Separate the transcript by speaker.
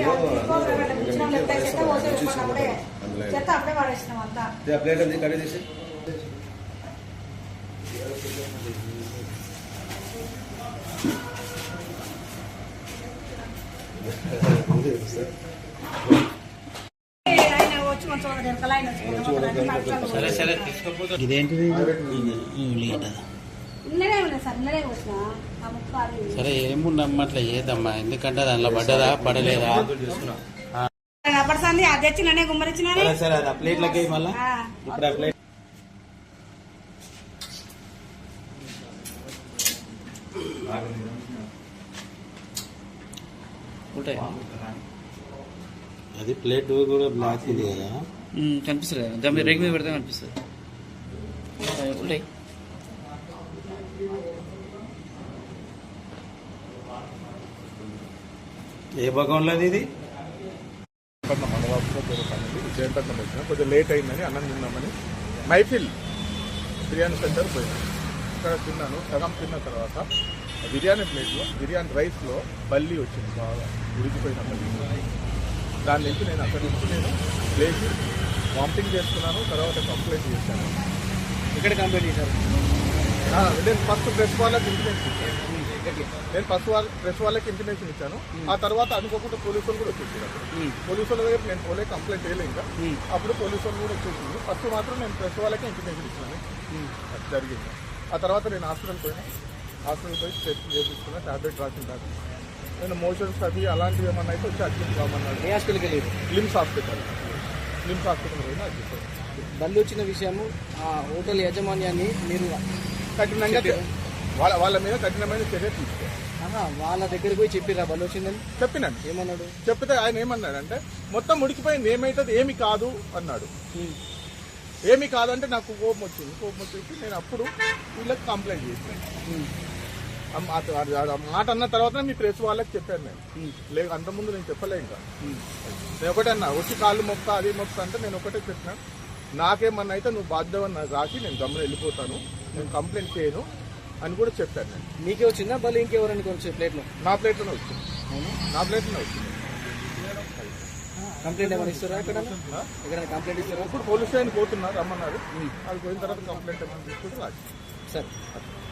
Speaker 1: చెత్త అప్పుడే పడేసినాం అంతా.
Speaker 2: ప్లేట్ అది కర్రీ చేసి
Speaker 3: ఇదేంటిది? సరే ఏముండమ్మా అట్లా ఏదమ్మా, ఎందుకంటే దాంట్లో పడ్డదా పడలేదా
Speaker 1: పడుతుంది. అది తెచ్చినే గుమ్మరిచ్చిన
Speaker 3: సరే అది ఆ ప్లేట్లకి మళ్ళా ఇప్పుడు ఆ ప్లేట్ ఉంటాయి. అది ప్లేట్ కూడా బ్లాక్ ఇది కదా, కనిపిస్తుంది కదా, దాని మీద రేగు మీద పెడితే కనిపిస్తుంది. ఉంటాయి. ఏ భాగంలో ఇది?
Speaker 4: జయంపట్నం వచ్చిన కొంచెం లేట్ అయిందని అన్నం తిన్నామని మైఫిల్ బిర్యానీ సెంటర్ పోయినా. ఇక్కడ తిన్నాను, సగం తిన్న తర్వాత బిర్యానీ ప్లేట్లో బిర్యానీ రైస్లో బల్లి వచ్చింది, బాగా ఉడికిపోయిన బల్లి. దాని నుంచి నేను అక్కడి నుంచి లేచి వామిటింగ్ చేసుకున్నాను. తర్వాత కంప్లైంట్ చేశాను.
Speaker 3: ఇక్కడ కంప్లైంట్ చేశారు?
Speaker 4: నేను ఫస్ట్ ప్రెస్ వాళ్ళకి ఇంటిమేషన్ ఇచ్చాను. నేను ఫస్ట్ ప్రెస్ వాళ్ళకి ఇంటిమేషన్ ఇచ్చాను. ఆ తర్వాత అనుకోకుండా పోలీసు వాళ్ళు కూడా వచ్చేసారు. పోలీసు వాళ్ళ దగ్గర నేను పోలే, కంప్లైంట్ చేయలే ఇంకా. అప్పుడు పోలీసు వాళ్ళు కూడా వచ్చేసింది. ఫస్ట్ మాత్రం నేను ప్రెస్ వాళ్ళకే ఇంటిమేషన్ ఇచ్చాను. అది జరిగింది. ఆ తర్వాత నేను హాస్పిటల్ పోయి టెస్ట్ చేయించుకున్నా, టాబ్లెట్ రాసిన తర్వాత నేను మోషన్స్ అవి అలాంటివి ఏమన్నా అయితే వచ్చి అడ్మిట్ కామన్నాడు.
Speaker 3: ఏ హాస్పిటల్కి వెళ్ళారు?
Speaker 4: లిమ్స్ హాస్పిటల్ పోయినా అడ్మిట్.
Speaker 3: బల్లి వచ్చిన విషయము ఆ హోటల్ యాజమాన్యాన్ని మీరు
Speaker 4: కఠినంగా వాళ్ళ మీద కఠినమైన చర్య తీసుకోవాలి.
Speaker 3: వాళ్ళ దగ్గరికి పోయి చెప్పిరా బల్లి వచ్చిందని?
Speaker 4: చెప్పినాను.
Speaker 3: ఏమన్నాడు?
Speaker 4: చెప్తే ఆయన ఏమన్నాడంటే మొత్తం ఉడికిపోయింది, ఏమైతుంది ఏమి కాదు అన్నాడు. ఏమి కాదంటే నాకు కోపం వచ్చేసి నేను అప్పుడు వీళ్ళకి కంప్లైంట్ చేశాను. మాట అన్న తర్వాత మీ ప్రెస్ వాళ్ళకి చెప్పాను నేను. లేదు అంతకుముందు నేను చెప్పలే. ఇంకా నేను ఒకటే అన్నా, వచ్చి కాళ్ళు మొక్క అది మొక్క అంటే నేను ఒకటే చెప్పినాను. నాకేమన్నా అయితే నువ్వు బాధ్యతని నాకు రాసి నేను గమ్మున వెళ్ళిపోతాను, నేను కంప్లైంట్ చేయను అని కూడా చెప్పాను నేను.
Speaker 3: నీకే వచ్చిందా బల్లి ఇంకెవరైనా కొంచెం ప్లేట్లో?
Speaker 4: నా ప్లేట్లోనే వచ్చింది.
Speaker 3: కంప్లైంట్ ఏమైనా ఇస్తారా? ఎక్కడైనా కంప్లైంట్ ఇస్తారా?
Speaker 4: ఇప్పుడు పోలీస్ స్టేషన్ పోతున్నారు, రమ్మన్నారు. అది పోయిన తర్వాత కంప్లైంట్ ఏమైనా తీసుకుంటే రాసి.
Speaker 3: సరే.